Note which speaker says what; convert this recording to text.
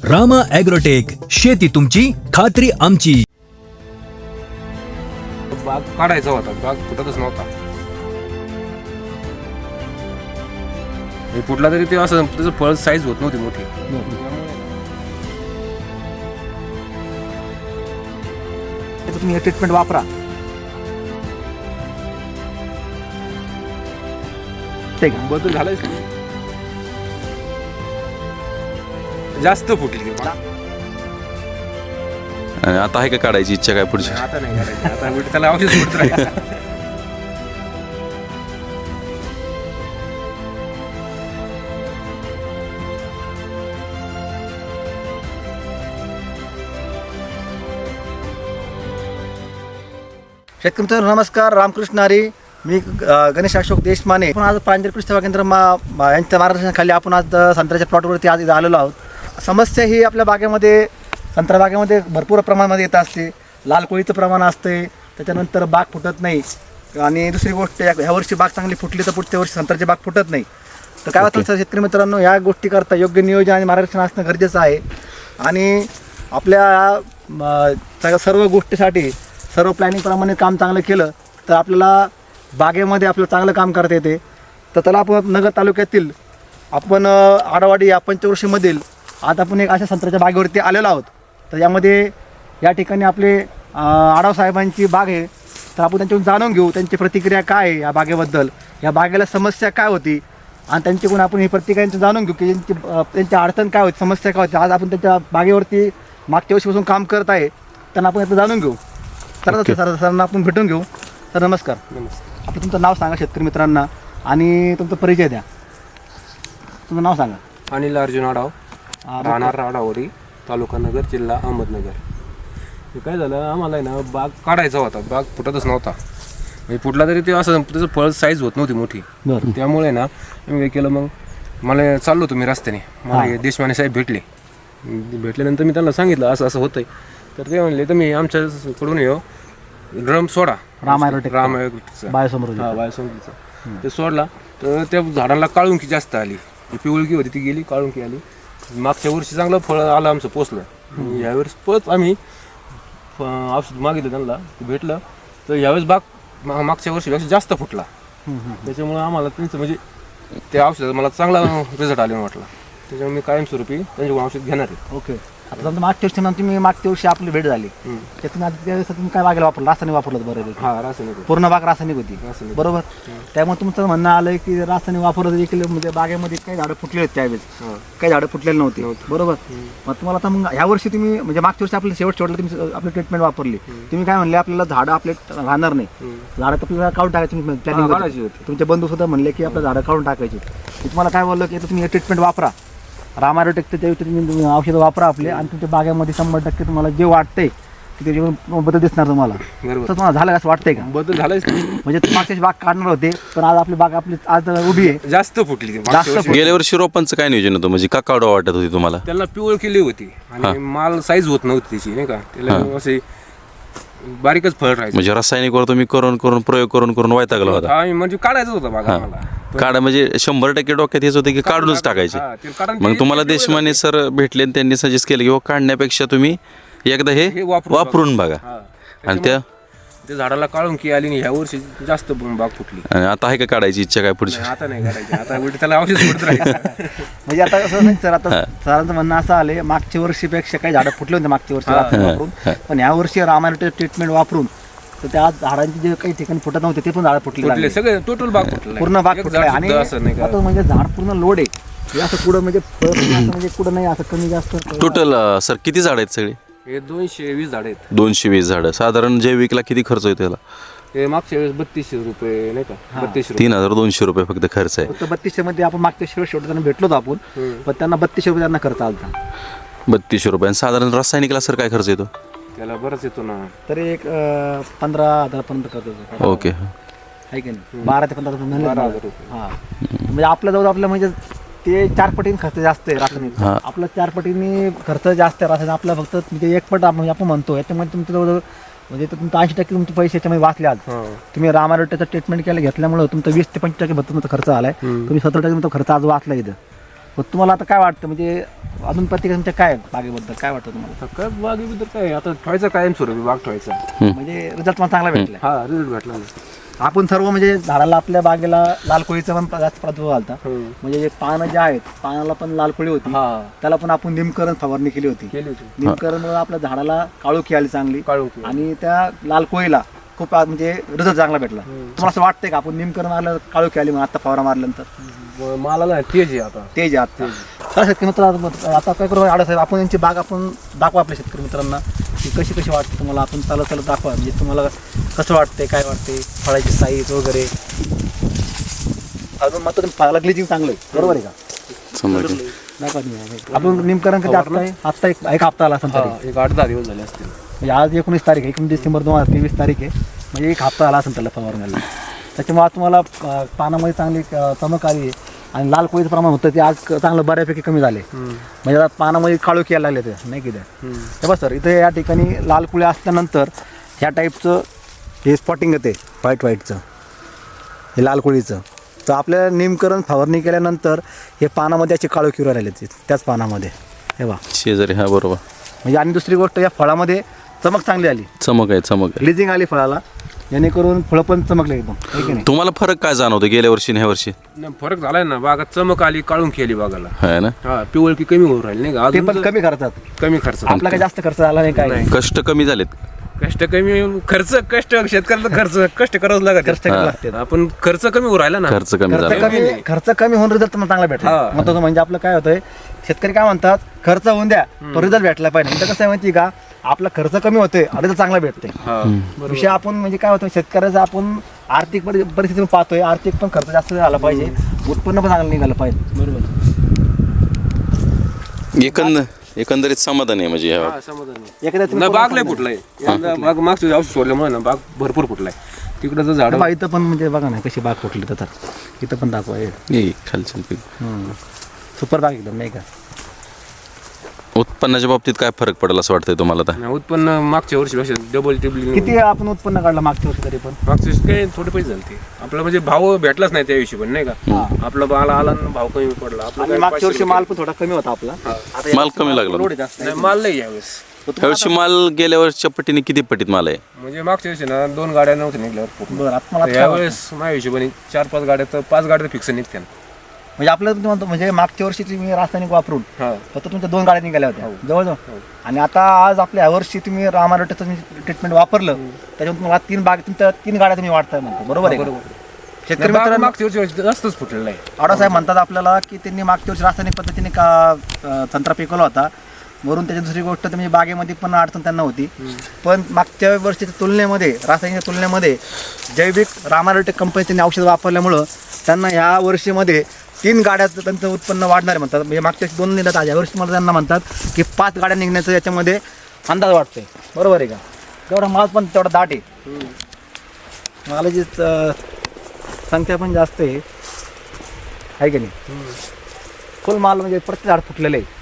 Speaker 1: Rama agrotech, शेती तुमची खात्री आमची.
Speaker 2: बाग काढायचा होता, बाग फुटतच नव्हता. फुटला तरी ते असं त्याचं फळ साईज होत नव्हती मोठी.
Speaker 3: तुम्ही हे ट्रीटमेंट वापरा. ठीक आहे,
Speaker 2: बदल झालाय, जास्त फुटली ती.
Speaker 4: आणि आता आहे का काढायची इच्छा काय पुढची?
Speaker 2: आता नाही करायची, आता उलट त्याला औषध सोडत राहायचं.
Speaker 3: शेतकरी मित्रांनो नमस्कार, रामकृष्ण हरी. मी गणेश अशोक देशमाने. आपण आज प्रांजल कृषी सेवा केंद्र यांच्या मार्गदर्शनाखाली आपण आज संत्र्याच्या प्लॉटवरती आज इथं आलेलो आहोत. समस्या ही आपल्या बागेमध्ये, संत्रा बागेमध्ये भरपूर प्रमाणामध्ये येत असते. लाल कोळीचं प्रमाण असते, त्याच्यानंतर बाग फुटत नाही. आणि दुसरी गोष्ट, ह्या वर्षी बाग चांगली फुटली तर पुढच्या वर्षी संत्र्याची बाग फुटत नाही. तर काय होतं शेतकरी मित्रांनो, या गोष्टी करता योग्य नियोजन आणि मार्गदर्शन असणं गरजेचं आहे. आणि आपल्या सर्व गोष्टीसाठी सर्व प्लॅनिंगप्रमाणे काम चांगलं केलं तर आपल्याला बागेमध्ये आपल्याला चांगलं काम करता येते. तर त्याला आपण नगर तालुक्यातील आपण आडवाडी या पंचवर्षीमधील आज आपण एक अशा संत्र्याच्या बागेवरती आलेलो आहोत. तर यामध्ये या ठिकाणी आपले आढाव साहेबांची बाग आहे. तर आपण त्यांच्याकडून जाणून घेऊ त्यांची प्रतिक्रिया काय आहे या बागेबद्दल, या बागेला समस्या काय होती, आणि त्यांच्याकडून आपण ही प्रतिक्रिया जाणून घेऊ की त्यांची अडचण काय होती, समस्या काय होती. आज आपण त्यांच्या बागेवरती मागच्या वर्षीपासून काम करत आहे, त्यांना आपण याचं जाणून घेऊ. तर सरांना आपण भेटून घेऊ. सर नमस्कार.
Speaker 2: नमस्कार.
Speaker 3: आपलं तुमचं नाव सांगा शेतकरी मित्रांना आणि तुमचा परिचय द्या. तुमचं नाव सांगा.
Speaker 2: अनिल अर्जुन आढाव, राहणार आढावरी, तालुका नगर, जिल्हा अहमदनगर. हे काय झालं, आम्हाला आहे ना बाग काढायचा होता, बाग फुटतच नव्हता. फुटला तरी ते असं त्याचं फळ साईज होत नव्हती मोठी. त्यामुळे ना मी काय केलं, मग मला चाललो होतो मी रस्त्याने, मला देशमाने साहेब भेटल्यानंतर मी त्यांना सांगितलं असं असं होतंय. तर ते म्हणले तर मी आमच्याकडून येऊ ड्रम सोडा,
Speaker 3: रामायरोटेकचा
Speaker 2: बायोसमृद्धीचा. ते सोडला तर त्या झाडांना काळुंकी जास्त आली, पिवळकी होती ती गेली, काळुंकी आली. मागच्या वर्षी चांगलं फळ आलं आमचं, पोचलं. यावेळेस परत आम्ही औषध मागितलं त्यांना, भेटलं. तर यावेळेस बाग मागच्या वर्षीपेक्षा जास्त फुटला. त्याच्यामुळे आम्हाला त्यांचं म्हणजे त्या औषधाचा मला चांगला रिझल्ट आले वाटला. त्याच्यामुळे मी कायमस्वरूपी त्यांच्याकडून औषध घेणार आहे.
Speaker 3: ओके. आता समजा मागच्या वर्षी ना तुम्ही मागच्या वर्षी आपली भेट झाली, त्यातून आता त्यावेळेस तुम्ही काय बागेला वापरलं, रासायनिक वापरलं बरोबर?
Speaker 2: हा, रासायनिक.
Speaker 3: पूर्ण बाग रासायनिक होती बरोबर. त्यामुळे तुमचं म्हणणं आलं की रासायनिक वापरलं देखील म्हणजे बागेमध्ये काही झाडं फुटले होते त्यावेळेस, काही झाडं फुटलेले नव्हते बरोबर. मग तुम्हाला आता मग ह्या वर्षी तुम्ही म्हणजे मागच्या वर्षी आपलं शेवटला तुम्ही आपली ट्रीटमेंट वापरली, तुम्ही काय म्हणले आपल्याला झाडं आपले राहणार नाही, झाडं आपल्याला काढून टाकायची. तुमचे बंधू सुद्धा म्हणले की आपल्या झाडं काढून टाकायची. मी तुम्हाला काय बोललो की तुम्ही हे ट्रीटमेंट वापरा, रामा ॲग्रोटेकचं तुम्ही औषधं वापरा आपले, आणि तुमच्या बागेमध्ये 100% तुम्हाला जे वाटतंय की त्याच्यावर बदल दिसणार तुम्हाला. तर तुम्हाला झालं असं वाटतंय का?
Speaker 2: बदल झालाय.
Speaker 3: म्हणजे मागच्या बाग काढणार होते पण आज आपली बाग आपली आज उभी आहे,
Speaker 2: जास्त फुटली.
Speaker 4: गेल्या वर्षी रोपांचं काय नियोजन होतं, म्हणजे का काढवा वाटत होती तुम्हाला?
Speaker 2: त्याला पिवळ केली होती आणि माल साईज होत नव्हती त्याची, नाही का. त्याला असे बारीकच फळ राहायचं.
Speaker 4: म्हणजे रासायनिकवर तुम्ही करून प्रयोग करून वैतागला होता.
Speaker 2: म्हणजे काढायचं होतं बागा मला.
Speaker 4: काढा म्हणजे 100% डोक्यात हेच होते की काढूनच टाकायचे. मग तुम्हाला देशमाने सर भेटले आणि त्यांनी सजेस्ट केलं की काढण्यापेक्षा तुम्ही एकदा हे वापरून बघा. आणि त्या
Speaker 2: झाडाला काळुंकी आली आणि ह्या वर्षी जास्त बाग फुटली.
Speaker 4: आणि आता आहे का काढायची इच्छा काय पुढची?
Speaker 2: आता नाही करायची, आता उलट त्याला औषध सोडत राहायचं.
Speaker 3: म्हणजे आता असं नाही सर, आता सरांचं म्हणणं असं आले मागच्या वर्षीपेक्षा काही झाडं फुटले होते मागच्या वर्षी वापरून, पण ह्या वर्षी रामा ॲग्रोटेक ट्रीटमेंट वापरून तर त्या झाडांची जे काही ठिकाणी फुटत नव्हते ते पण झाडं फुटले,
Speaker 2: सगळे टोटल बाग फुटले,
Speaker 3: पूर्ण बाग फुटले. आणि आता म्हणजे झाड पूर्ण लोड आहे, हे असं कुठं म्हणजे म्हणजे कुठं नाही असं कमी जास्त.
Speaker 4: टोटल सर किती झाड आहेत सगळी?
Speaker 2: हे 220 झाड आहेत.
Speaker 4: 220 झाडं. साधारण जैविकला किती खर्च येतो त्याला?
Speaker 2: ते मागच्या वेळेस 3200 रुपये, नाही का, 3200.
Speaker 4: 3200 रुपये फक्त खर्च आहे.
Speaker 3: फक्त 3200 मध्ये आपण मागच्या शेवट त्यांना भेटलो होतो आपण, पण त्यांना 3200 रुपये त्यांना खर्च आला.
Speaker 4: 3200 रुपये. साधारण रासायनिकला सर काय खर्च येतो?
Speaker 2: त्याला बरंच येतो ना,
Speaker 3: तरी एक 15,000 पर्यंत खर्च येतो.
Speaker 4: ओके.
Speaker 3: आहे की नाही, 12 ते 15,000 रुपये. हा, म्हणजे आपल्या जवळ आपलं म्हणजे ते 4 पटीने खर्च जास्त आहे रासायनिक. आपला 4 पटीने खर्च जास्त आहे रासायनिक. आपला फक्त म्हणजे 1 पट आपण म्हणतो. याच्यामध्ये तुमच्या जवळ म्हणजे तुमचं 80% तुमचे पैसे याच्यामध्ये वाचले. आज तुम्ही रामा ॲग्रोटेकचं ट्रीटमेंट केलं घेतल्यामुळे तुमचं 20 ते 25% तुमचा खर्च आलाय. तुम्ही 70% तुमचा खर्च आज वाचला इथं पण तुम्हाला आता काय वाटतं म्हणजे अजून प्रतिक्रिया काय बागेबद्दल काय वाटतं तुम्हाला?
Speaker 2: काय बागेबद्दल काय आता ठेवायचा कायम स्वरूपी बाग ठेवायचा.
Speaker 3: म्हणजे रिझल्ट मला चांगला भेटला.
Speaker 2: हा रिझल्ट भेटला ना.
Speaker 3: आपण सर्व म्हणजे झाडाला आपल्या बागेला लाल कोळीचा पण जास्त प्रादुर्भाव आलता. म्हणजे जे पानं जे आहेत पानाला पण लाल कोळी होती, त्याला पण आपण निमकरण फवारणी केली होती. निमकरणमुळे आपल्या झाडाला काळोखी आली चांगली आणि त्या लाल कोळीला खूप म्हणजे रिझल्ट चांगला भेटला. तुम्हाला असं वाटतंय का आपण निमकरण आलं काळोखी आली म्हणून आता फवारा मारल्यानंतर?
Speaker 2: मला ना तेज आहे आता.
Speaker 3: तेज आहे आता. तर शेतकरी मित्र आता काय करू आडसाहेब आपण यांची बाग आपण दाखवा आपल्या शेतकरी मित्रांना की कशी कशी वाटते तुम्हाला. आपण चालत चालत दाखवा म्हणजे तुम्हाला कसं वाटतंय काय वाटते फळाची साईज वगैरे. अजून मात्र फळाला ग्लिचिंग चांगलं आहे बरोबर आहे का? दाखवा तुम्ही. आपण निमकरण कधी आत्ता एक हप्ता आला असेल तरी.
Speaker 2: एक 8-10 दिवस झाले असतील.
Speaker 3: म्हणजे आज 19 तारीख आहे, 19 डिसेंबर 2023 तारीख आहे. म्हणजे एक हप्ता आला असेल त्याला फवारण्याला. त्याच्यामुळे आज तुम्हाला पानामध्ये चांगली चमक आली आहे आणि लाल कोळीचं प्रमाण होतं ते आज चांगलं बऱ्यापैकी कमी झाले. म्हणजे आता पानामध्ये काळोखी यायला लागले ते नाही की ते बस सर. इथे या ठिकाणी लाल कोळी असल्यानंतर ह्या टाईपचं हे स्पॉटिंग येते व्हाईटचं हे लाल कोळीचं. तर आपल्या निमकरण फवारणी केल्यानंतर हे पानामध्ये असे काळोखी राहिले त्याच पानामध्ये हे बा
Speaker 4: शेजारी. हा बरोबर.
Speaker 3: म्हणजे आणि दुसरी गोष्ट या फळामध्ये चमक चांगली आली.
Speaker 4: चमक आहे.
Speaker 3: ग्लिजिंग आली फळाला जेणेकरून फळं पण चमकले एकदम आहे की नाही?
Speaker 4: तुम्हाला फरक काय जाणवतो गेल्या वर्षी आणि ह्या वर्षी?
Speaker 2: फरक झालाय ना. बागात चमक आली काळून खेळली बागाला.
Speaker 4: आहे ना.
Speaker 2: हा पिवळकी कमी होऊन राहिली नाही का.
Speaker 3: ते पण कमी खर्चात.
Speaker 2: कमी खर्च.
Speaker 3: आपला काही जास्त खर्च झाला नाही काय.
Speaker 4: कष्ट कमी झालेत.
Speaker 2: कष्ट कमी कष्ट शेतकऱ्याला कष्ट करावंच लागत.
Speaker 3: कष्ट करावे लागते.
Speaker 2: आपण खर्च कमी होऊ राहिला ना.
Speaker 4: खर्च कमी झाला.
Speaker 3: खर्च कमी होऊन रिझल्ट मला चांगला भेटला. महत्वाचं म्हणजे आपलं काय होतंय शेतकरी काय म्हणतात खर्च होऊन द्या तो रिझल्ट भेटला पाहिजे. तर कसं आहे माहिती का आपला खर्च कमी होतोय आणि रिझल्ट चांगला भेटतोय. विषय आपण म्हणजे काय होतं शेतकऱ्याचा आपण आर्थिक परिस्थिती पाहतोय. आर्थिक पण खर्च जास्त झाला पाहिजे, उत्पन्न पण चांगलं निघालं पाहिजे.
Speaker 2: बरोबर.
Speaker 4: एकंदरीत समाधान आहे म्हणजे
Speaker 3: एखाद्या
Speaker 2: बाग लय फुटलाय. बाग मागच्या औषध सोडल्यामुळे ना बाग भरपूर फुटलाय. तिकडं झाड
Speaker 3: इथं पण म्हणजे बघा ना कशी बाग फुटली तर इथं पण दाखवा
Speaker 4: खालचं पीक.
Speaker 3: सुपर बाग एकदम नाही का.
Speaker 4: उत्पन्नाच्या बाबतीत काय फरक पडेल असं वाटतंय तुम्हाला आता?
Speaker 2: उत्पन्न मागच्या वर्षीपेक्षा डबल ट्रिपल.
Speaker 3: किती आपण उत्पन्न काढलं मागच्या वर्षी तरी पण?
Speaker 2: मागच्या वर्षी काही थोडे पैसे झाले. आपला म्हणजे भाव भेटलाच नाही त्या हिशोबाने नाही का. आपला माल आला ना भाव कमी पडला. आपला
Speaker 3: मागच्या वर्षी माल पण थोडा कमी होता आपला.
Speaker 4: माल कमी लागला.
Speaker 2: नाही माल नाही यावेळेस.
Speaker 4: यावर्षी माल गेल्या वर्षीच्या पटीने किती पटीत माल आहे?
Speaker 2: म्हणजे मागच्या वर्षी ना 2 गाड्या नव्हत्या निघल्यावर.
Speaker 3: बरं आता मला
Speaker 2: यावेळेस माझ्या हिशोबाने 4-5 गाड्या तर 5 गाड्या फिक्स निघत्या.
Speaker 3: म्हणजे आपल्याला तुम्ही म्हणतो म्हणजे मागच्या वर्षी तुम्ही रासायनिक वापरून फक्त तुमच्या 2 गाड्या निघाल्या होत्या जवळजवळ. आणि आता आज आपल्या ह्या वर्षी तुम्ही रामारोटेचं ट्रीटमेंट वापरलं त्याच्यामुळे तुम्हाला 3 गाड्या तुम्ही वाढताय म्हणतो बरोबर आहे. शेतकरी मित्रांनो
Speaker 2: मागच्या वर्षी जास्तच फुटलेला आहे.
Speaker 3: आडसाहेब म्हणतात आपल्याला की त्यांनी मागच्या वर्षी रासायनिक पद्धतीने का संत्रा पिकवला होता. वरून त्याची दुसरी गोष्ट म्हणजे बागेमध्ये पण अडचण त्यांना होती. पण मागच्या वर्षीच्या तुलनेमध्ये रासायनिक तुलनेमध्ये जैविक रामारोटेक कंपनीचे औषध वापरल्यामुळं त्यांना ह्या वर्षीमध्ये 3 गाड्याचं त्यांचं उत्पन्न वाढणार आहे म्हणतात. म्हणजे मागच्या 2 निघतात आज यावर्षी मला त्यांना म्हणतात की 5 गाड्या निघण्याचं याच्यामध्ये अंदाज वाटतोय बरोबर आहे का. तेवढा माल पण तेवढा दाट आहे. मालाची संख्या पण जास्त आहे की नाही. फुल माल म्हणजे प्रत्येक झाड फुटलेलं आहे.